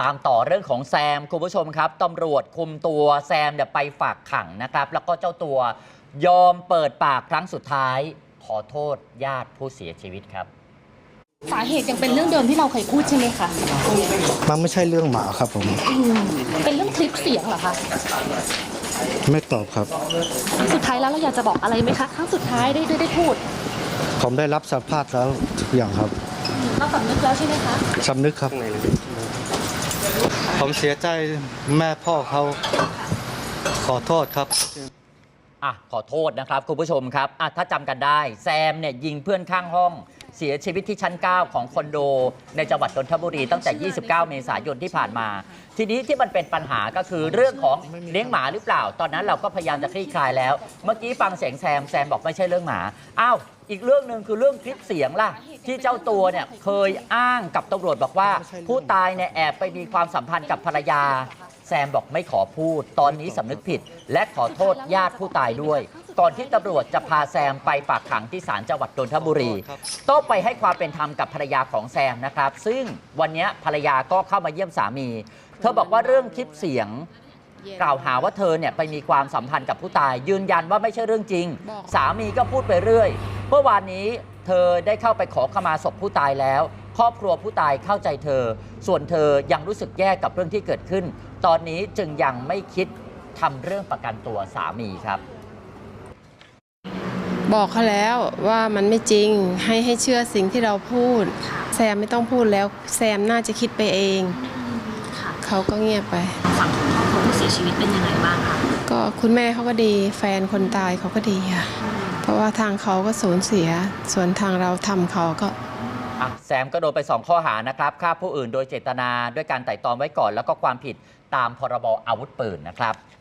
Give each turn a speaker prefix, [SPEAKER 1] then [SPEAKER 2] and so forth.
[SPEAKER 1] ตามต่อเรื่องของแซมคุณผู้ชมครับตำรวจคุมตัวแซมไปฝากขังนะครับแล้วก็เจ้าตัวยอมเปิดปากครั้งสุดท้ายขอโทษญาติผู้เสียชีวิตครับ
[SPEAKER 2] สาเหตุยังเป็นเรื่องเดิมที่เราเคยพูดใช่ไหมคะ
[SPEAKER 3] มันไม่ใช่เรื่องหมาครับผม
[SPEAKER 2] เป็นเรื่องคลิปเสียงเหรอคะ
[SPEAKER 3] ไม่ตอบครับ
[SPEAKER 2] สุดท้ายแล้วเราอยากจะบอกอะไรไหมคะครั้งสุดท้ายได้พูด
[SPEAKER 3] ผมได้รับสารภาพแล้วทุกอย่างครับ
[SPEAKER 2] เราสำนึกแล้วใช่ไหมคะ
[SPEAKER 3] สำนึกครับผมเสียใจแม่พ่อเขาขอโทษครับ
[SPEAKER 1] ขอโทษนะครับคุณผู้ชมครับถ้าจำกันได้แซมเนี่ยยิงเพื่อนข้างห้องเสียชีวิตที่ชั้น 9 ของคอนโดในจังหวัดนนทบุรีตั้งแต่ 29 เมษายนที่ผ่านมาทีนี้ที่มันเป็นปัญหาก็คือเรื่องของเลี้ยงหมาหรือเปล่าตอนนั้นเราก็พยายามจะคลี่คลายแล้วเมื่อกี้ฟังเสียงแซมบอกไม่ใช่เรื่องหมาอีกเรื่องหนึ่งคือเรื่องคลิปเสียงล่ะที่เจ้าตัวเนี่ยเคยอ้างกับตำรวจบอกว่าผู้ตายเนี่ยแอบไปมีความสัมพันธ์กับภรรยาแซมบอกไม่ขอพูดตอนนี้สำนึกผิดและขอโทษญาติผู้ตายด้วยก่อนที่ตำรวจจะพาแซมไปฝากขังที่ศาลจังหวัดนนทบุรีต้องไปให้ความเป็นธรรมกับภรรยาของแซมนะครับซึ่งวันนี้ภรรยาก็เข้ามาเยี่ยมสามีเธอบอกว่าเรื่องคลิปเสียงกล่าวหาว่าเธอเนี่ยไปมีความสัมพันธ์กับผู้ตายยืนยันว่าไม่ใช่เรื่องจริงสามีก็พูดไปเรื่อยเมื่อวานนี้เธอได้เข้าไปขอขมาศพผู้ตายแล้วครอบครัวผู้ตายเข้าใจเธอส่วนเธอยังรู้สึกแย่กับเรื่องที่เกิดขึ้นตอนนี้จึงยังไม่คิดทำเรื่องประกันตัวสามีครับ
[SPEAKER 4] บอกเขาแล้วว่ามันไม่จริงให้เชื่อสิ่งที่เราพูดแซมไม่ต้องพูดแล้วแซมน่าจะคิดไปเองเขาก็เงียบไป
[SPEAKER 2] ฝั่งของครอบครัวผู้เสียชีวิตเป็นยังไงบ้างคะ
[SPEAKER 4] ก็คุณแม่เขาก็ดีแฟนคนตายเขาก็ดีค่ะเพราะว่าทางเขาก็สูญเสียส่วนทางเราทำเขาก็
[SPEAKER 1] แซมก็โดนไป2ข้อหานะครับฆ่าผู้อื่นโดยเจตนาด้วยการไตร่ตรองไว้ก่อนแล้วก็ความผิดตามพรบอาวุธปืนนะครับ